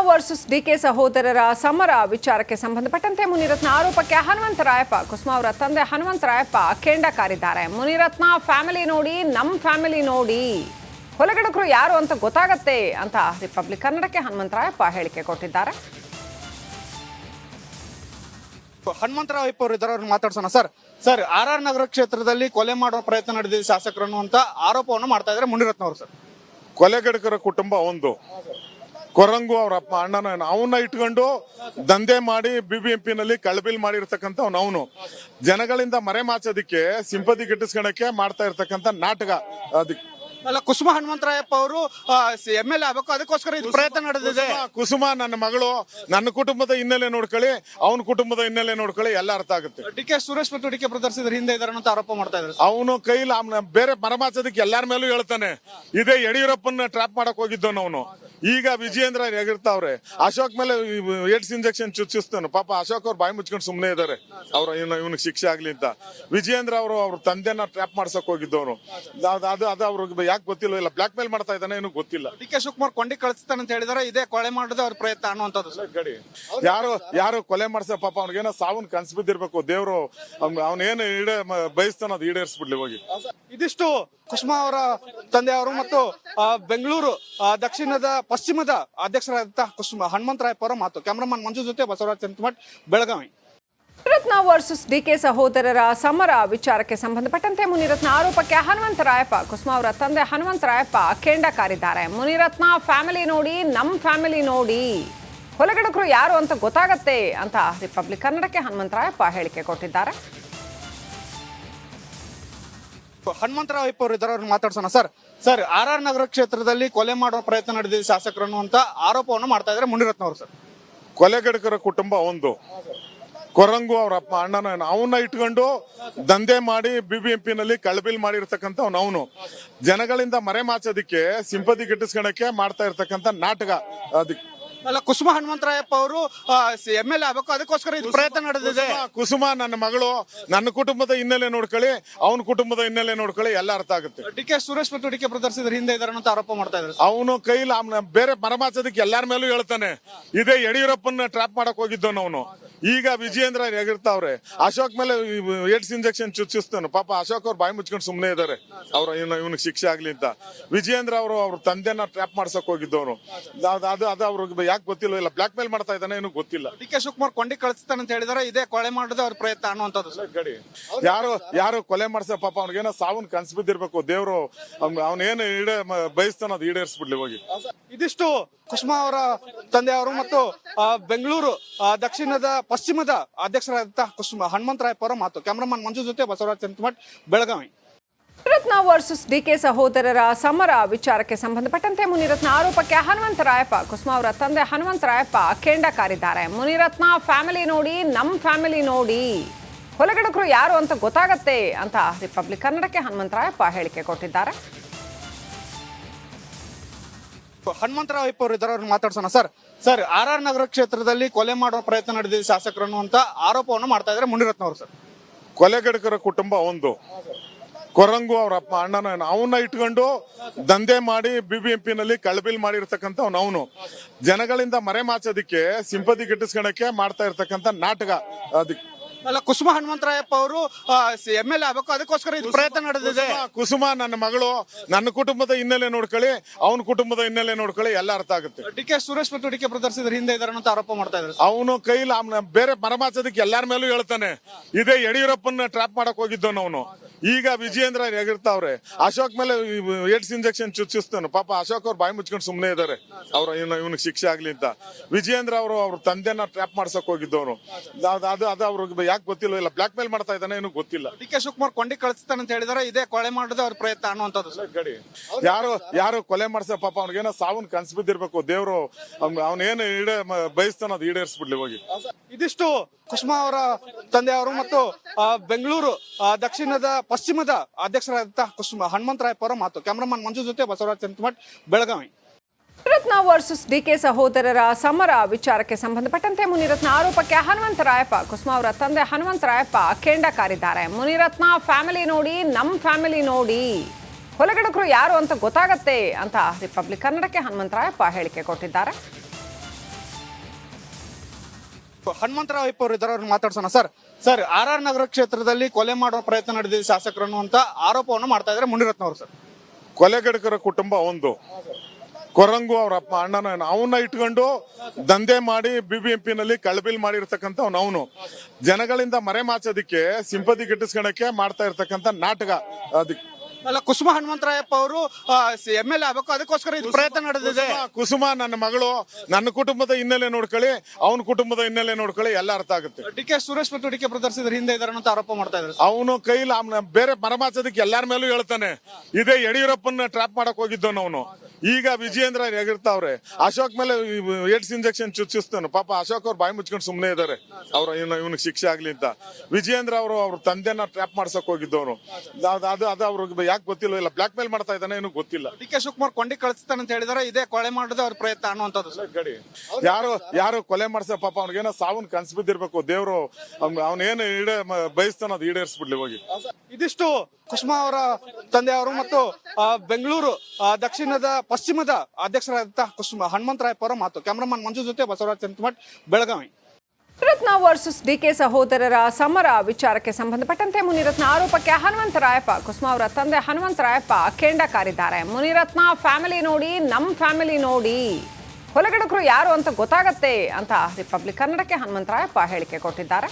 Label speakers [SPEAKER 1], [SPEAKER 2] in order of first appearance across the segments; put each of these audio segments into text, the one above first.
[SPEAKER 1] Versus DK ಸಹೋದರರ ಸಮರ ವಿಚಾರಕ್ಕೆ ಸಂಬಂಧಪಟ್ಟಂತೆ ಮುನಿರತ್ನ ಆರೋಪಕ್ಕೆ ಹನುಮಂತರಾಯಪ್ಪ ಕುಸುಮಾ ಅವರ ತಂದೆ ಹನುಮಂತರಾಯಪ್ಪ ಕೆಂಡ ಕಾರಿದ್ದಾರೆ. ಮುನಿರತ್ನ ಫ್ಯಾಮಿಲಿ ನೋಡಿ, ನಮ್ಮ ಫ್ಯಾಮಿಲಿ ನೋಡಿ, ಕೊಲೆಗಡಕರು ಯಾರು ಅಂತ ಗೊತ್ತಾಗತ್ತೆ ಅಂತ ರಿಪಬ್ಲಿಕ್ ಕನ್ನಡಕ್ಕೆ ಹನುಮಂತರಾಯಪ್ಪ ಹೇಳಿಕೆ ಕೊಟ್ಟಿದ್ದಾರೆ.
[SPEAKER 2] ಹನುಮಂತರಾಯಪ್ಪ ಅವರು ಇದ್ದಾರೆ, ಮಾತಾಡ್ಸೋಣ. ಸರ್ ಆರ್ ನಗರ ಕ್ಷೇತ್ರದಲ್ಲಿ ಕೊಲೆ ಮಾಡುವ ಪ್ರಯತ್ನ ನಡೆದಿದೆ ಶಾಸಕರನ್ನು ಅಂತ ಆರೋಪವನ್ನು ಮಾಡ್ತಾ ಇದ್ದಾರೆ ಮುನಿರತ್ನ ಅವರು. ಸರ್,
[SPEAKER 3] ಕೊಲೆಗಡಕರ ಕುಟುಂಬ ಒಂದು, ಕೊರಂಗು ಅವ್ರ ಅಪ್ಪ ಅಣ್ಣನ ಅವನ್ನ ಇಟ್ಕೊಂಡು ದಂಧೆ ಮಾಡಿ BBMP ನಲ್ಲಿ ಕಳಬಿಲ್ ಮಾಡಿರ್ತಕ್ಕಂಥ ಅವನು ಜನಗಳಿಂದ ಮರೆ ಮಾಚೋದಿಕ್ಕೆ, ಸಿಂಪತಿ ಗಿಟ್ಟಿಸ್ಕೊಳಕ್ಕೆ ಮಾಡ್ತಾ ಇರ್ತಕ್ಕಂಥ ನಾಟಕ. ಅದಕ್ಕೆ
[SPEAKER 2] ಅಲ್ಲ, ಕುಸುಮ ಹನುಮಂತರಾಯಪ್ಪ ಅವರು MLA ಆಗಬೇಕು, ಅದಕ್ಕೋಸ್ಕರ ಇದು ಪ್ರಯತ್ನ ನಡೆದಿದೆ.
[SPEAKER 3] ಕುಸುಮ ನನ್ನ ಮಗಳು, ನನ್ನ ಕುಟುಂಬದ ಹಿನ್ನೆಲೆ ನೋಡ್ಕೊಳ್ಳಿ, ಅವನ ಕುಟುಂಬದ ಹಿನ್ನೆಲೆ ನೋಡ್ಕೊಳ್ಳಿ, ಎಲ್ಲ ಅರ್ಥ ಆಗುತ್ತೆ.
[SPEAKER 2] ಡಿಕೆ ಸುರೇಶ್ ಮತ್ತು ಡಿಕೆ ಬ್ರದರ್ಸ್ ಇದ್ರ ಹಿಂದೆ ಇದಾರೆ ಅಂತ ಆರೋಪ ಮಾಡ್ತಾ ಇದ್ದಾರೆ.
[SPEAKER 3] ಅವನು ಕೈಲಿ ಬೇರೆ ಮರಮಾಚೋದಕ್ಕೆ ಎಲ್ಲಾರ ಮೇಲೂ ಹೇಳ್ತಾನೆ. ಇದೇ ಯಡಿಯೂರಪ್ಪನ ಟ್ರಾಪ್ ಮಾಡಕ್ ಹೋಗಿದ್ದವನು ಅವನು. ಈಗ ವಿಜಯೇಂದ್ರ ಹೇಗಿರ್ತಾವ್ರೆ, ಅಶೋಕ್ ಮೇಲೆ ಏಡ್ಸ್ ಇಂಜೆಕ್ಷನ್ ಚುಚ್ಚಿಸ್ತಾನೆ. ಪಾಪ ಅಶೋಕ್ ಅವ್ರು ಬಾಯಿ ಮುಚ್ಕೊಂಡು ಸುಮ್ಮನೆ ಇದಾರೆ, ಅವ್ರ ಇವನಿಗೆ ಶಿಕ್ಷೆ ಆಗ್ಲಿ ಅಂತ. ವಿಜಯೇಂದ್ರ ಅವರು ಅವ್ರ ತಂದೆನ ಟ್ರಾಪ್ ಮಾಡ್ಸಕ್ ಹೋಗಿದ್ದವನು. ಅದು ಅವ್ರಿಗೆ ಯಾಕೆ ಗೊತ್ತಿಲ್ಲ, ಇಲ್ಲ ಬ್ಲಾಕ್ ಮೇಲ್ ಮಾಡ್ತಾ ಇದ್ದಾನೆ ಏನು ಗೊತ್ತಿಲ್ಲ.
[SPEAKER 2] ಡಿಕೆ ಶಿವಕುಮಾರ್ ಕೊಂಡಿ ಕಳಿಸ್ತಾನೆ ಅಂತ ಹೇಳಿದಾರೆ, ಇದೇ ಕೊಲೆ ಮಾಡೋದು ಅವ್ರ ಪ್ರಯತ್ನ ಅನ್ನುವಂಥದ್ದು.
[SPEAKER 3] ಗಡಿ ಯಾರು ಕೊಲೆ ಮಾಡ್ಸ, ಪಾಪ ಅವ್ನಿಗೇನೋ ಸಾವನ್ ಕನ್ಸ್ ಬಿದ್ದಿರ್ಬೇಕು. ದೇವ್ರು ಅವನೇನು ಬಯಸ್ತಾನ ಅದು ಈಡೇರಿಸ್ಬಿಡ್ಲಿ ಹೋಗಿ.
[SPEAKER 2] ಇದಿಷ್ಟು ಕುಸುಮಾ ಅವರ ತಂದೆಯವರು ಮತ್ತು ಬೆಂಗಳೂರು ದಕ್ಷಿಣದ ಪಶ್ಚಿಮದ ಅಧ್ಯಕ್ಷರಾದಂತಹ ಕುಸುಮಾ ಹನುಮಂತರಾಯಪ್ಪ ಅವರ ಮಾತು. ಕ್ಯಾಮರಾಮನ್ ಮಂಜು ಜೊತೆ ಬಸವರಾಜ್ ಚಂದ್ರಮಠ್, ಬೆಳಗಾವಿ.
[SPEAKER 1] ಮುನಿರತ್ನ ವರ್ಸಸ್ ಡಿಕೆ ಸಹೋದರರ ಸಮರ ವಿಚಾರಕ್ಕೆ ಸಂಬಂಧಪಟ್ಟಂತೆ ಮುನಿರತ್ನ ಆರೋಪಕ್ಕೆ ಹನುಮಂತರಾಯಪ್ಪ ಕುಸುಮಾ ಅವರ ತಂದೆ ಹನುಮಂತರಾಯಪ್ಪ ಕೆಂಡ ಕಾರಿದ್ದಾರೆ. ಮುನಿರತ್ನ ಫ್ಯಾಮಿಲಿ ನೋಡಿ, ನಮ್ಮ ಫ್ಯಾಮಿಲಿ ನೋಡಿ, ಕೊಲೆಗಡಕರು ಯಾರು ಅಂತ ಗೊತ್ತಾಗತ್ತೆ ಅಂತ ರಿಪಬ್ಲಿಕ್ ಕನ್ನಡಕ್ಕೆ ಹನುಮಂತರಾಯಪ್ಪ ಹೇಳಿಕೆ ಕೊಟ್ಟಿದ್ದಾರೆ.
[SPEAKER 2] ಹನುಮಂತರಾಯಪ್ಪ ಅವರು ಇದ್ದಾರೆ, ಮಾತಾಡ್ಸೋಣ. ಸರ್ ಆರ್ ನಗರ ಕ್ಷೇತ್ರದಲ್ಲಿ ಕೊಲೆ ಮಾಡುವ ಪ್ರಯತ್ನ ನಡೆದಿದೆ ಶಾಸಕರನ್ನು ಅಂತ ಆರೋಪವನ್ನು ಮಾಡ್ತಾ ಇದ್ದಾರೆ ಮುನಿರತ್ನ ಅವರು. ಸರ್,
[SPEAKER 3] ಕೊಲೆಗಡಕರ ಕುಟುಂಬ ಒಂದು, ಕೊರಂಗು ಅವ್ರ ಅಪ್ಪ ಅಣ್ಣನ ಅವನ್ನ ಇಟ್ಕೊಂಡು ದಂಧೆ ಮಾಡಿ BBMP ನಲ್ಲಿ ಕಳಬಿಲ್ ಮಾಡಿರ್ತಕ್ಕಂಥ ಅವನು ಜನಗಳಿಂದ ಮರೆ ಮಾಚೋದಿಕ್ಕೆ, ಸಿಂಪತಿ ಗಿಟ್ಟಿಸ್ಕೊಳಕ್ಕೆ ಮಾಡ್ತಾ ಇರ್ತಕ್ಕಂಥ ನಾಟಕ. ಅದಕ್ಕೆ
[SPEAKER 2] ಅಲ್ಲ, ಕುಸುಮ ಹನುಮಂತರಾಯಪ್ಪ ಅವರು MLA ಆಗಬೇಕು, ಅದಕ್ಕೋಸ್ಕರ ಇದು ಪ್ರಯತ್ನ ನಡೆದಿದೆ.
[SPEAKER 3] ಕುಸುಮ ನನ್ನ ಮಗಳು, ನನ್ನ ಕುಟುಂಬದ ಹಿನ್ನೆಲೆ ನೋಡ್ಕೊಳ್ಳಿ, ಅವನ ಕುಟುಂಬದ ಹಿನ್ನೆಲೆ ನೋಡ್ಕೊಳ್ಳಿ, ಎಲ್ಲ ಅರ್ಥ ಆಗುತ್ತೆ.
[SPEAKER 2] ಡಿಕೆ ಸುರೇಶ್ ಮತ್ತು ಡಿಕೆ ಬ್ರದರ್ಸ್ ಇದ್ರ ಹಿಂದೆ ಇದಾರೆ ಅಂತ ಆರೋಪ ಮಾಡ್ತಾ ಇದ್ದಾರೆ.
[SPEAKER 3] ಅವನು ಕೈಲಿ ಬೇರೆ ಮರಮಾಚೋದಕ್ಕೆ ಎಲ್ಲಾರ ಮೇಲೂ ಹೇಳ್ತಾನೆ. ಇದೇ ಯಡಿಯೂರಪ್ಪನ ಟ್ರಾಪ್ ಮಾಡಕ್ ಹೋಗಿದ್ದವನು ಅವನು. ಈಗ ವಿಜಯೇಂದ್ರ ಹೇಗಿರ್ತಾವ್ರೆ, ಅಶೋಕ್ ಮೇಲೆ ಏಡ್ಸ್ ಇಂಜೆಕ್ಷನ್ ಚುಚ್ಚಿಸ್ತಾನೆ. ಪಾಪ ಅಶೋಕ್ ಅವ್ರು ಬಾಯಿ ಮುಚ್ಕೊಂಡು ಸುಮ್ಮನೆ ಇದಾರೆ, ಅವ್ರ ಇವನಿಗೆ ಶಿಕ್ಷೆ ಆಗ್ಲಿ ಅಂತ. ವಿಜಯೇಂದ್ರ ಅವರು ಅವ್ರ ತಂದೆನ ಟ್ರಾಪ್ ಮಾಡ್ಸಕ್ ಹೋಗಿದ್ದವನು. ಅದು ಅವ್ರಿಗೆ ಯಾಕೆ ಗೊತ್ತಿಲ್ಲ, ಇಲ್ಲ ಬ್ಲಾಕ್ ಮೇಲ್ ಮಾಡ್ತಾ ಇದ್ದಾನೆ ಏನು ಗೊತ್ತಿಲ್ಲ.
[SPEAKER 2] ಡಿಕೆ ಶಿವಕುಮಾರ್ ಕೊಂಡಿ ಕಳಿಸ್ತಾನೆ ಅಂತ ಹೇಳಿದಾರೆ, ಇದೇ ಕೊಲೆ ಮಾಡೋದು ಅವ್ರ ಪ್ರಯತ್ನ ಅನ್ನುವಂಥದ್ದು.
[SPEAKER 3] ಗಡಿ ಯಾರು ಕೊಲೆ ಮಾಡ್ಸ, ಪಾಪ ಅವ್ನಿಗೇನೋ ಸಾವನ್ ಕನ್ಸ್ ಬಿದ್ದಿರ್ಬೇಕು. ದೇವ್ರು ಅವನೇನು ಬಯಸ್ತಾನ ಅದು ಈಡೇರಿಸ್ಬಿಡ್ಲಿ ಹೋಗಿ.
[SPEAKER 2] ಇದಿಷ್ಟು ಕುಸುಮಾ ಅವರ ತಂದೆಯವರು ಮತ್ತು ಬೆಂಗಳೂರು ದಕ್ಷಿಣದ ಪಶ್ಚಿಮದ ಅಧ್ಯಕ್ಷರಾದಂತಹ ಕುಸುಮಾ ಹನುಮಂತರಾಯಪ್ಪ ಅವರ ಮಾತು. ಕ್ಯಾಮರಾಮನ್ ಮಂಜು ಜೊತೆ ಬಸವರಾಜ್ ಚಂದ್ರಮಠ್, ಬೆಳಗಾವಿ.
[SPEAKER 1] ಮುನಿರತ್ನ ವರ್ಸಸ್ ಡಿಕೆ ಸಹೋದರರ ಸಮರ ವಿಚಾರಕ್ಕೆ ಸಂಬಂಧಪಟ್ಟಂತೆ ಮುನಿರತ್ನ ಆರೋಪಕ್ಕೆ ಹನುಮಂತರಾಯಪ್ಪ ಕುಸುಮಾ ಅವರ ತಂದೆ ಹನುಮಂತರಾಯಪ್ಪ ಕೆಂಡ ಕಾರಿದ್ದಾರೆ. ಮುನಿರತ್ನ ಫ್ಯಾಮಿಲಿ ನೋಡಿ, ನಮ್ಮ ಫ್ಯಾಮಿಲಿ ನೋಡಿ, ಕೊಲೆಗಡಕರು ಯಾರು ಅಂತ ಗೊತ್ತಾಗತ್ತೆ ಅಂತ ರಿಪಬ್ಲಿಕ್ ಕನ್ನಡಕ್ಕೆ ಹನುಮಂತರಾಯಪ್ಪ ಹೇಳಿಕೆ ಕೊಟ್ಟಿದ್ದಾರೆ.
[SPEAKER 2] ಹನುಮಂತರಾಯಪ್ಪ ಅವರು ಇದ್ದಾರೆ, ಮಾತಾಡ್ಸೋಣ. ಸರ್ ಆರ್ ನಗರ ಕ್ಷೇತ್ರದಲ್ಲಿ ಕೊಲೆ ಮಾಡುವ ಪ್ರಯತ್ನ ನಡೆದಿದೆ ಶಾಸಕರನ್ನು ಅಂತ ಆರೋಪವನ್ನು ಮಾಡ್ತಾ ಇದ್ದಾರೆ ಮುನಿರತ್ನ ಅವರು. ಸರ್,
[SPEAKER 3] ಕೊಲೆಗಡಕರ ಕುಟುಂಬ ಒಂದು, ಕೊರಂಗು ಅವ್ರ ಅಪ್ಪ ಅಣ್ಣನ ಅವನ್ನ ಇಟ್ಕೊಂಡು ದಂಧೆ ಮಾಡಿ BBMP ನಲ್ಲಿ ಕಳಬಿಲ್ ಮಾಡಿರ್ತಕ್ಕಂಥ ಅವನು ಜನಗಳಿಂದ ಮರೆ ಮಾಚೋದಿಕ್ಕೆ, ಸಿಂಪತಿ ಗಿಟ್ಟಿಸ್ಕೊಳಕ್ಕೆ ಮಾಡ್ತಾ ಇರ್ತಕ್ಕಂಥ ನಾಟಕ. ಅದಕ್ಕೆ
[SPEAKER 2] ಅಲ್ಲ, ಕುಸುಮ ಹನುಮಂತರಾಯಪ್ಪ ಅವರು MLA ಆಗಬೇಕು, ಅದಕ್ಕೋಸ್ಕರ ಇದು ಪ್ರಯತ್ನ ನಡೆದಿದೆ.
[SPEAKER 3] ಕುಸುಮ ನನ್ನ ಮಗಳು, ನನ್ನ ಕುಟುಂಬದ ಹಿನ್ನೆಲೆ ನೋಡ್ಕೊಳ್ಳಿ, ಅವನ ಕುಟುಂಬದ ಹಿನ್ನೆಲೆ ನೋಡ್ಕೊಳ್ಳಿ, ಎಲ್ಲ ಅರ್ಥ ಆಗುತ್ತೆ.
[SPEAKER 2] ಡಿಕೆ ಸುರೇಶ್ ಮತ್ತು ಡಿಕೆ ಬ್ರದರ್ಸ್ ಇದ್ರ ಹಿಂದೆ ಇದಾರೆ ಅಂತ ಆರೋಪ ಮಾಡ್ತಾ ಇದ್ದಾರೆ.
[SPEAKER 3] ಅವನು ಕೈಲಿ ಬೇರೆ ಮರಮಾಚೋದಕ್ಕೆ ಎಲ್ಲಾರ ಮೇಲೂ ಹೇಳ್ತಾನೆ. ಇದೇ ಯಡಿಯೂರಪ್ಪನ ಟ್ರಾಪ್ ಮಾಡಕ್ ಹೋಗಿದ್ದವನು ಅವನು. ಈಗ ವಿಜಯೇಂದ್ರ ಹೇಗಿರ್ತಾವ್ರೆ, ಅಶೋಕ್ ಮೇಲೆ ಏಡ್ಸ್ ಇಂಜೆಕ್ಷನ್ ಚುಚ್ಚಿಸ್ತಾನೆ. ಪಾಪ ಅಶೋಕ್ ಅವ್ರು ಬಾಯಿ ಮುಚ್ಕೊಂಡು ಸುಮ್ಮನೆ ಇದಾರೆ, ಅವ್ರ ಇವನಿಗೆ ಶಿಕ್ಷೆ ಆಗ್ಲಿ ಅಂತ. ವಿಜಯೇಂದ್ರ ಅವರು ಅವ್ರ ತಂದೆನ ಟ್ರಾಪ್ ಮಾಡ್ಸಕ್ ಹೋಗಿದ್ದವನು. ಅದು ಅವ್ರಿಗೆ ಯಾಕೆ ಗೊತ್ತಿಲ್ಲ, ಇಲ್ಲ ಬ್ಲಾಕ್ ಮೇಲ್ ಮಾಡ್ತಾ ಇದ್ದಾನೆ ಏನು ಗೊತ್ತಿಲ್ಲ.
[SPEAKER 2] ಡಿಕೆ ಶಿವಕುಮಾರ್ ಕೊಂಡಿ ಕಳಿಸ್ತಾನೆ ಅಂತ ಹೇಳಿದಾರೆ, ಇದೇ ಕೊಲೆ ಮಾಡೋದು ಅವ್ರ ಪ್ರಯತ್ನ ಅನ್ನುವಂಥದ್ದು.
[SPEAKER 3] ಗಡಿ ಯಾರು ಕೊಲೆ ಮಾಡ್ಸ, ಪಾಪ ಅವ್ನಿಗೇನೋ ಸಾವನ್ ಕನ್ಸ್ ಬಿದ್ದಿರ್ಬೇಕು. ದೇವ್ರು ಅವನೇನು ಬಯಸ್ತಾನ ಅದು ಈಡೇರಿಸ್ಬಿಡ್ಲಿ ಹೋಗಿ.
[SPEAKER 2] ಇದಿಷ್ಟು ಕುಸುಮಾ ಅವರ ತಂದೆಯವರು ಮತ್ತು ಬೆಂಗಳೂರು ದಕ್ಷಿಣದ ಪಶ್ಚಿಮದ ಅಧ್ಯಕ್ಷರಾದಂತಹ ಕುಸುಮಾ ಹನುಮಂತರಾಯಪ್ಪ ಅವರ ಮಾತು. ಕ್ಯಾಮರಾಮನ್ ಮಂಜು ಜೊತೆ ಬಸವರಾಜ್ ಚಂದ್ರಮಠ್, ಬೆಳಗಾವಿ.
[SPEAKER 1] ಮುನಿರತ್ನ ವರ್ಸಸ್ ಡಿಕೆ ಸಹೋದರರ ಸಮರ ವಿಚಾರಕ್ಕೆ ಸಂಬಂಧಪಟ್ಟಂತೆ ಮುನಿರತ್ನ ಆರೋಪಕ್ಕೆ ಹನುಮಂತರಾಯಪ್ಪ ಕುಸುಮಾ ಅವರ ತಂದೆ ಹನುಮಂತರಾಯಪ್ಪ ಕೆಂಡ ಕಾರಿದ್ದಾರೆ. ಮುನಿರತ್ನ ಫ್ಯಾಮಿಲಿ ನೋಡಿ, ನಮ್ಮ ಫ್ಯಾಮಿಲಿ ನೋಡಿ, ಕೊಲೆಗಡಕರು ಯಾರು ಅಂತ ಗೊತ್ತಾಗತ್ತೆ ಅಂತ ರಿಪಬ್ಲಿಕ್ ಕನ್ನಡಕ್ಕೆ ಹನುಮಂತರಾಯಪ್ಪ ಹೇಳಿಕೆ ಕೊಟ್ಟಿದ್ದಾರೆ.
[SPEAKER 2] ಹನುಮಂತರಾವ್ ಅಯ್ಯಪ್ಪ ಅವರು ಇದ್ದಾರೆ, ಅವ್ರನ್ನ ಮಾತಾಡ್ಸೋಣ. ಸರ್ ಆರ್ ನಗರ ಕ್ಷೇತ್ರದಲ್ಲಿ ಕೊಲೆ ಮಾಡುವ ಪ್ರಯತ್ನ ನಡೆದಿದೆ ಶಾಸಕರು ಅನ್ನುವಂತ ಆರೋಪವನ್ನು ಮಾಡ್ತಾ ಇದ್ದಾರೆ ಮುನಿರತ್ನ ಅವರು. ಸರ್,
[SPEAKER 3] ಕೊಲೆಗಡಕರ ಕುಟುಂಬ ಒಂದು, ಕೊರಂಗು ಅವ್ರ ಅಪ್ಪ ಅಣ್ಣನ ಅವನ್ನ ಇಟ್ಕೊಂಡು ದಂಧೆ ಮಾಡಿ BBMP ನಲ್ಲಿ ಕಳಬಿಲ್ ಮಾಡಿರ್ತಕ್ಕಂಥ ಅವನು ಜನಗಳಿಂದ ಮರೆಮಾಚೋದಿಕ್ಕೆ ಸಿಂಪತಿ ಗಿಟ್ಟಿಸ್ಕೊಳಕ್ಕೆ ಮಾಡ್ತಾ ಇರ್ತಕ್ಕಂಥ ನಾಟಕ. ಅದಕ್ಕೆ
[SPEAKER 2] ಅಲ್ಲ, ಕುಸುಮ ಹನುಮಂತರಾಯಪ್ಪ ಅವರು MLA ಆಗಬೇಕು, ಅದಕ್ಕೋಸ್ಕರ ಇದು ಪ್ರಯತ್ನ ನಡೆದಿದೆ.
[SPEAKER 3] ಕುಸುಮ ನನ್ನ ಮಗಳು, ನನ್ನ ಕುಟುಂಬದ ಹಿನ್ನೆಲೆ ನೋಡ್ಕೊಳ್ಳಿ, ಅವನ ಕುಟುಂಬದ ಹಿನ್ನೆಲೆ ನೋಡ್ಕೊಳ್ಳಿ, ಎಲ್ಲ ಅರ್ಥ ಆಗುತ್ತೆ.
[SPEAKER 2] DK ಸುರೇಶ್ ಮತ್ತು DK ಬ್ರದರ್ಸ್ ಇದ್ರ ಹಿಂದೆ ಇದಾರೆ ಅಂತ ಆರೋಪ ಮಾಡ್ತಾ ಇದ್ದಾರೆ.
[SPEAKER 3] ಅವನು ಕೈಲಿ ಬೇರೆ ಮರಮಾಚೋದಕ್ಕೆ ಎಲ್ಲಾರ ಮೇಲೂ ಹೇಳ್ತಾನೆ. ಇದೇ ಯಡಿಯೂರಪ್ಪನ ಟ್ರಾಪ್ ಮಾಡಕ್ ಹೋಗಿದ್ದವನು ಅವನು. ಈಗ ವಿಜಯೇಂದ್ರ ಎಗಿರ್ತಾವ್ರೆ. ಅಶೋಕ್ ಮೇಲೆ ಏಡ್ಸ್ ಇಂಜೆಕ್ಷನ್ ಚುಚ್ಚಿಸ್ತಾನೆ. ಪಾಪ ಅಶೋಕ್ ಅವ್ರು ಬಾಯಿ ಮುಚ್ಕೊಂಡು ಸುಮ್ಮನೆ ಇದಾರೆ, ಅವ್ರ ಇವನಿಗೆ ಶಿಕ್ಷೆ ಆಗ್ಲಿ ಅಂತ. ವಿಜಯೇಂದ್ರ ಅವರು ಅವ್ರ ತಂದೆನ ಟ್ರಾಪ್ ಮಾಡ್ಸಕ್ ಹೋಗಿದ್ದವನು. ಅದು ಅವ್ರಿಗೆ ಯಾಕೆ ಗೊತ್ತಿಲ್ಲ, ಇಲ್ಲ ಬ್ಲಾಕ್ ಮೇಲ್ ಮಾಡ್ತಾ ಇದ್ದಾನೆ ಏನೂ ಗೊತ್ತಿಲ್ಲ.
[SPEAKER 2] DK ಶಿವಕುಮಾರ್ ಕೊಂಡಿ ಕಳಿಸ್ತಾನೆ ಅಂತ ಹೇಳಿದಾರೆ. ಇದೇ ಕೊಲೆ ಮಾಡೋದು ಅವ್ರ ಪ್ರಯತ್ನ ಅನ್ನುವಂಥದ್ದು.
[SPEAKER 3] ಗಡಿ ಯಾರು ಕೊಲೆ ಮಾಡ್ಸ, ಪಾಪ ಅವ್ನಿಗೇನೋ ಸಾವನ್ ಕನ್ಸ್ ಬಿದ್ದಿರ್ಬೇಕು. ದೇವ್ರು ಅವನೇನು ಬಯಸ್ತಾನ ಅದು ಈಡೇರಿಸ್ಬಿಡ್ಲಿ ಹೋಗಿ.
[SPEAKER 2] ಇದಿಷ್ಟು ಕುಸುಮಾ ಅವರ ತಂದೆಯವರು ಮತ್ತು ಬೆಂಗಳೂರು ದಕ್ಷಿಣದ ಪಶ್ಚಿಮದ ಅಧ್ಯಕ್ಷರಾದಂತಹ ಕುಸುಮ ಹನುಮಂತರಾಯಪ್ಪ ಅವರ ಮಾತು. ಕ್ಯಾಮರಾಮನ್ ಮಂಜು ಜೊತೆ ಬಸವರಾಜ್ ಚಂದ್ರಮಠ್, ಬೆಳಗಾವಿ.
[SPEAKER 1] ಮುನಿರತ್ನ ವರ್ಸಸ್ DK ಸಹೋದರರ ಸಮರ ವಿಚಾರಕ್ಕೆ ಸಂಬಂಧಪಟ್ಟಂತೆ ಮುನಿರತ್ನ ಆರೋಪಕ್ಕೆ ಹನುಮಂತರಾಯಪ್ಪ, ಕುಸುಮಾ ಅವರ ತಂದೆ ಹನುಮಂತರಾಯಪ್ಪ ಕೆಂಡ ಕಾರಿದ್ದಾರೆ. ಮುನಿರತ್ನ ಫ್ಯಾಮಿಲಿ ನೋಡಿ, ನಮ್ಮ ಫ್ಯಾಮಿಲಿ ನೋಡಿ, ಕೊಲೆಗಡಕರು ಯಾರು ಅಂತ ಗೊತ್ತಾಗತ್ತೆ ಅಂತ ರಿಪಬ್ಲಿಕ್ ಕನ್ನಡಕ್ಕೆ ಹನುಮಂತರಾಯಪ್ಪ ಹೇಳಿಕೆ ಕೊಟ್ಟಿದ್ದಾರೆ.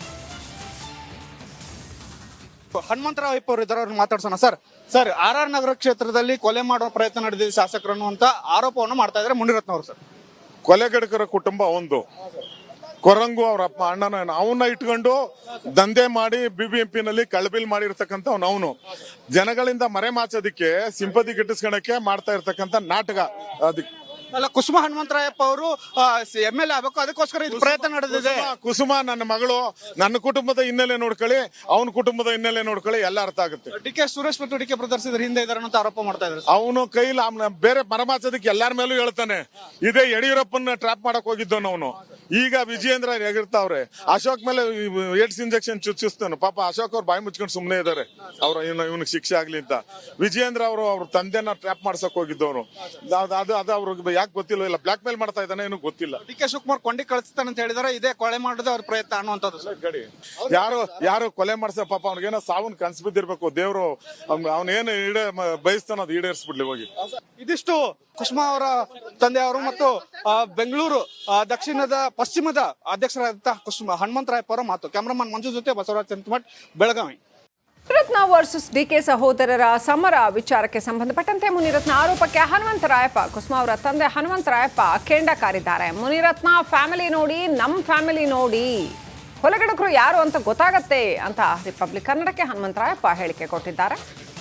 [SPEAKER 2] ಹನುಮಂತರಾವ್ ಅಯ್ಯಪ್ಪ ಅವರು ಇದ್ದಾರೆ, ಅವ್ರನ್ನ ಮಾತಾಡ್ಸೋಣ. ಸರ್ ಆರ್ ನಗರ ಕ್ಷೇತ್ರದಲ್ಲಿ ಕೊಲೆ ಮಾಡುವ ಪ್ರಯತ್ನ ನಡೆದಿದೆ ಶಾಸಕರು ಅನ್ನುವಂತ ಆರೋಪವನ್ನು ಮಾಡ್ತಾ ಇದ್ದಾರೆ ಮುನಿರತ್ನ ಅವರು. ಸರ್,
[SPEAKER 3] ಕೊಲೆಗಡಕರ ಕುಟುಂಬ ಒಂದು, ಕೊರಂಗು ಅವ್ರ ಅಪ್ಪ ಅಣ್ಣನ ಅವನ್ನ ಇಟ್ಕೊಂಡು ದಂಧೆ ಮಾಡಿ BBMP ನಲ್ಲಿ ಕಳಬಿಲ್ ಮಾಡಿರ್ತಕ್ಕಂಥ ಅವನು ಜನಗಳಿಂದ ಮರೆಮಾಚೋದಿಕ್ಕೆ ಸಿಂಪತಿ ಗಿಟ್ಟಿಸ್ಕೊಳಕ್ಕೆ ಮಾಡ್ತಾ ಇರ್ತಕ್ಕಂಥ ನಾಟಕ. ಅದಕ್ಕೆ
[SPEAKER 2] ಅಲ್ಲ, ಕುಸುಮ ಹನುಮಂತರಾಯಪ್ಪ ಅವರು MLA ಆಗಬೇಕು, ಅದಕ್ಕೋಸ್ಕರ ಇದು ಪ್ರಯತ್ನ ನಡೆದಿದೆ.
[SPEAKER 3] ಕುಸುಮ ನನ್ನ ಮಗಳು, ನನ್ನ ಕುಟುಂಬದ ಹಿನ್ನೆಲೆ ನೋಡ್ಕೊಳ್ಳಿ, ಅವನ ಕುಟುಂಬದ ಹಿನ್ನೆಲೆ ನೋಡ್ಕೊಳ್ಳಿ, ಎಲ್ಲ ಅರ್ಥ ಆಗುತ್ತೆ.
[SPEAKER 2] DK ಸುರೇಶ್ ಮತ್ತು DK ಬ್ರದರ್ಸ್ ಇದ್ರ ಹಿಂದೆ ಇದಾರೆ ಅಂತ ಆರೋಪ ಮಾಡ್ತಾ ಇದ್ದಾರೆ.
[SPEAKER 3] ಅವನು ಕೈಲಿ ಬೇರೆ ಮರಮಾಚೋದಕ್ಕೆ ಎಲ್ಲಾರ ಮೇಲೂ ಹೇಳ್ತಾನೆ. ಇದೇ ಯಡಿಯೂರಪ್ಪನ ಟ್ರಾಪ್ ಮಾಡಕ್ ಹೋಗಿದ್ದವನು ಅವನು. ಈಗ ವಿಜಯೇಂದ್ರ ಎಗಿರ್ತಾವ್ರೆ. ಅಶೋಕ್ ಮೇಲೆ ಏಡ್ಸ್ ಇಂಜೆಕ್ಷನ್ ಚುಚ್ಚಿಸ್ತಾನೆ. ಪಾಪ ಅಶೋಕ್ ಅವ್ರು ಬಾಯಿ ಮುಚ್ಕೊಂಡು ಸುಮ್ಮನೆ ಇದಾರೆ, ಅವ್ರ ಇವನಿಗೆ ಶಿಕ್ಷೆ ಆಗ್ಲಿ ಅಂತ. ವಿಜಯೇಂದ್ರ ಅವರು ಅವ್ರ ತಂದೆನ ಟ್ರಾಪ್ ಮಾಡ್ಸಕ್ ಹೋಗಿದ್ದವನು. ಅದು ಅವ್ರಿಗೆ ಯಾಕೆ ಗೊತ್ತಿಲ್ಲ, ಇಲ್ಲ ಬ್ಲಾಕ್ ಮೇಲ್ ಮಾಡ್ತಾ ಇದ್ದಾನೆ ಏನೂ ಗೊತ್ತಿಲ್ಲ.
[SPEAKER 2] DK ಶಿವಕುಮಾರ್ ಕೊಂಡಿ ಕಳಿಸ್ತಾನೆ ಅಂತ ಹೇಳಿದಾರೆ. ಇದೇ ಕೊಲೆ ಮಾಡೋದು ಅವ್ರ ಪ್ರಯತ್ನ ಅನ್ನುವಂಥದ್ದು.
[SPEAKER 3] ಗಡಿ ಯಾರು ಕೊಲೆ ಮಾಡ್ಸ, ಪಾಪ ಅವ್ನಿಗೇನೋ ಸಾವನ್ ಕನ್ಸ್ ಬಿದ್ದಿರ್ಬೇಕು. ದೇವ್ರು ಅವನೇನು ಬಯಸ್ತಾನ ಅದು ಈಡೇರಿಸ್ಬಿಡ್ಲಿ ಹೋಗಿ.
[SPEAKER 2] ಇದಿಷ್ಟು ಕುಸುಮಾ ಅವರ ತಂದೆಯವರು ಮತ್ತು ಬೆಂಗಳೂರು ದಕ್ಷಿಣದ ಪಶ್ಚಿಮದ ಅಧ್ಯಕ್ಷರಾದಂತಹ ಕುಸುಮ ಹನುಮಂತರಾಯಪ್ಪ ಅವರ ಮಾತು. ಕ್ಯಾಮರಾಮನ್ ಮಂಜು ಜೊತೆ ಬಸವರಾಜ್ ಚಂದ್ರಮಠ್, ಬೆಳಗಾವಿ.
[SPEAKER 1] ಮುನಿರತ್ನ ವರ್ಸಸ್ DK ಸಹೋದರರ ಸಮರ ವಿಚಾರಕ್ಕೆ ಸಂಬಂಧಪಟ್ಟಂತೆ ಮುನಿರತ್ನ ಆರೋಪಕ್ಕೆ ಹನುಮಂತರಾಯಪ್ಪ, ಕುಸುಮಾ ಅವರ ತಂದೆ ಹನುಮಂತರಾಯಪ್ಪ ಕೆಂಡ ಕಾರಿದ್ದಾರೆ. ಮುನಿರತ್ನ ಫ್ಯಾಮಿಲಿ ನೋಡಿ, ನಮ್ಮ ಫ್ಯಾಮಿಲಿ ನೋಡಿ, ಕೊಲೆಗಡಕರು ಯಾರು ಅಂತ ಗೊತ್ತಾಗತ್ತೆ ಅಂತ ರಿಪಬ್ಲಿಕ್ ಕನ್ನಡಕ್ಕೆ ಹನುಮಂತರಾಯಪ್ಪ ಹೇಳಿಕೆ ಕೊಟ್ಟಿದ್ದಾರೆ.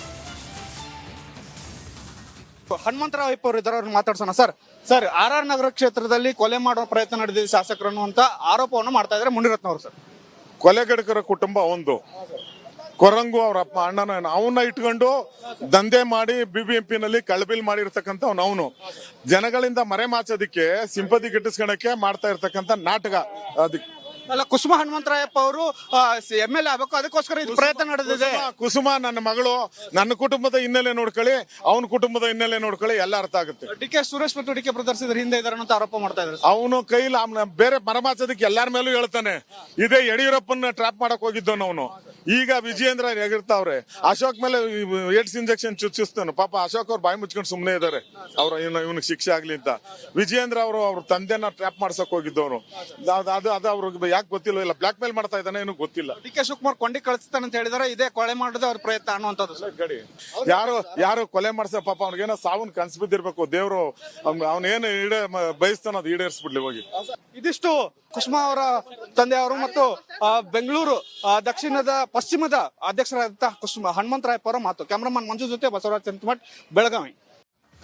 [SPEAKER 2] ಹನುಮಂತರಾವ್ ಅಯ್ಯಪ್ಪ ಅವರು ಇದ್ದಾರೆ, ಅವ್ರನ್ನ ಮಾತಾಡ್ಸೋಣ. ಸರ್ ಆರ್ ನಗರ ಕ್ಷೇತ್ರದಲ್ಲಿ ಕೊಲೆ ಮಾಡುವ ಪ್ರಯತ್ನ ನಡೆದಿದೆ ಶಾಸಕರು ಅನ್ನುವಂತ ಆರೋಪವನ್ನು ಮಾಡ್ತಾ ಇದ್ದಾರೆ ಮುನಿರತ್ನ ಅವರು. ಸರ್,
[SPEAKER 3] ಕೊಲೆಗಡಕರ ಕುಟುಂಬ ಒಂದು, ಕೊರಂಗು ಅವ್ರ ಅಪ್ಪ ಅಣ್ಣನ ಅವನ್ನ ಇಟ್ಕೊಂಡು ದಂಧೆ ಮಾಡಿ BBMP ನಲ್ಲಿ ಕಳಬಿಲ್ ಮಾಡಿರ್ತಕ್ಕಂಥ ಅವನು ಜನಗಳಿಂದ ಮರೆಮಾಚೋದಿಕ್ಕೆ ಸಿಂಪತಿ ಗಿಟ್ಟಿಸ್ಕೊಳಕ್ಕೆ ಮಾಡ್ತಾ ಇರ್ತಕ್ಕಂಥ ನಾಟಕ. ಅದಕ್ಕೆ
[SPEAKER 2] ಅಲ್ಲ, ಕುಸುಮ ಹನುಮಂತರಾಯಪ್ಪ ಅವರು MLA ಆಗಬೇಕು, ಅದಕ್ಕೋಸ್ಕರ ಇದು ಪ್ರಯತ್ನ ನಡೆದಿದೆ.
[SPEAKER 3] ಕುಸುಮ ನನ್ನ ಮಗಳು, ನನ್ನ ಕುಟುಂಬದ ಹಿನ್ನೆಲೆ ನೋಡ್ಕೊಳ್ಳಿ, ಅವನ ಕುಟುಂಬದ ಹಿನ್ನೆಲೆ ನೋಡ್ಕೊಳ್ಳಿ, ಎಲ್ಲ ಅರ್ಥ ಆಗುತ್ತೆ.
[SPEAKER 2] DK ಸುರೇಶ್ ಮತ್ತು DK ಬ್ರದರ್ಸ್ ಇದ್ರ ಹಿಂದೆ ಇದಾರೆ ಅಂತ ಆರೋಪ ಮಾಡ್ತಾ ಇದ್ದಾರೆ.
[SPEAKER 3] ಅವನು ಕೈಲಿ ಬೇರೆ ಮರಮಾಚೋದಕ್ಕೆ ಎಲ್ಲಾರ ಮೇಲೂ ಹೇಳ್ತಾನೆ. ಇದೇ ಯಡಿಯೂರಪ್ಪನ ಟ್ರಾಪ್ ಮಾಡಕ್ ಹೋಗಿದ್ದವನು ಅವನು. ಈಗ ವಿಜಯೇಂದ್ರ ಎಗಿರ್ತಾವ್ರೆ. ಅಶೋಕ್ ಮೇಲೆ ಏಡ್ಸ್ ಇಂಜೆಕ್ಷನ್ ಚುಚ್ಚಿಸ್ತಾನೆ. ಪಾಪ ಅಶೋಕ್ ಅವ್ರು ಬಾಯಿ ಮುಚ್ಕೊಂಡು ಸುಮ್ಮನೆ ಇದಾರೆ, ಅವ್ರ ಇವನಿಗೆ ಶಿಕ್ಷೆ ಆಗ್ಲಿ ಅಂತ. ವಿಜಯೇಂದ್ರ ಅವರು ಅವ್ರ ತಂದೆನ ಟ್ರಾಪ್ ಮಾಡ್ಸಕ್ ಹೋಗಿದ್ದವನು. ಅದು ಅವ್ರಿಗೆ ಯಾಕೆ ಗೊತ್ತಿಲ್ಲ, ಇಲ್ಲ ಬ್ಲಾಕ್ ಮೇಲ್ ಮಾಡ್ತಾ ಇದ್ದಾನೆ ಏನೂ ಗೊತ್ತಿಲ್ಲ.
[SPEAKER 2] DK ಶಿವಕುಮಾರ್ ಕೊಂಡಿ ಕಳಿಸ್ತಾನೆ ಅಂತ ಹೇಳಿದಾರೆ. ಇದೇ ಕೊಲೆ ಮಾಡೋದು ಅವ್ರ ಪ್ರಯತ್ನ ಅನ್ನುವಂಥದ್ದು.
[SPEAKER 3] ಗಡಿ ಯಾರು ಕೊಲೆ ಮಾಡ್ಸ, ಪಾಪ ಅವ್ನಿಗೇನೋ ಸಾವನ್ ಕನ್ಸ್ ಬಿದ್ದಿರ್ಬೇಕು. ದೇವ್ರು ಅವನೇನು ಬಯಸ್ತಾನ ಅದು ಈಡೇರಿಸ್ಬಿಡ್ಲಿ ಹೋಗಿ.
[SPEAKER 2] ಇದಿಷ್ಟು ಕುಸುಮಾ ಅವರ ತಂದೆಯವರು ಮತ್ತು ಬೆಂಗಳೂರು ದಕ್ಷಿಣದ ಪಶ್ಚಿಮದ ಅಧ್ಯಕ್ಷರಾದಂತಹ ಕುಸುಮ ಹನುಮಂತರಾಯಪ್ಪ ಅವರ ಮಾತು. ಕ್ಯಾಮರಾಮನ್ ಮಂಜು ಜೊತೆ ಬಸವರಾಜ್ ಚಂದ್ರಮಠ್, ಬೆಳಗಾವಿ.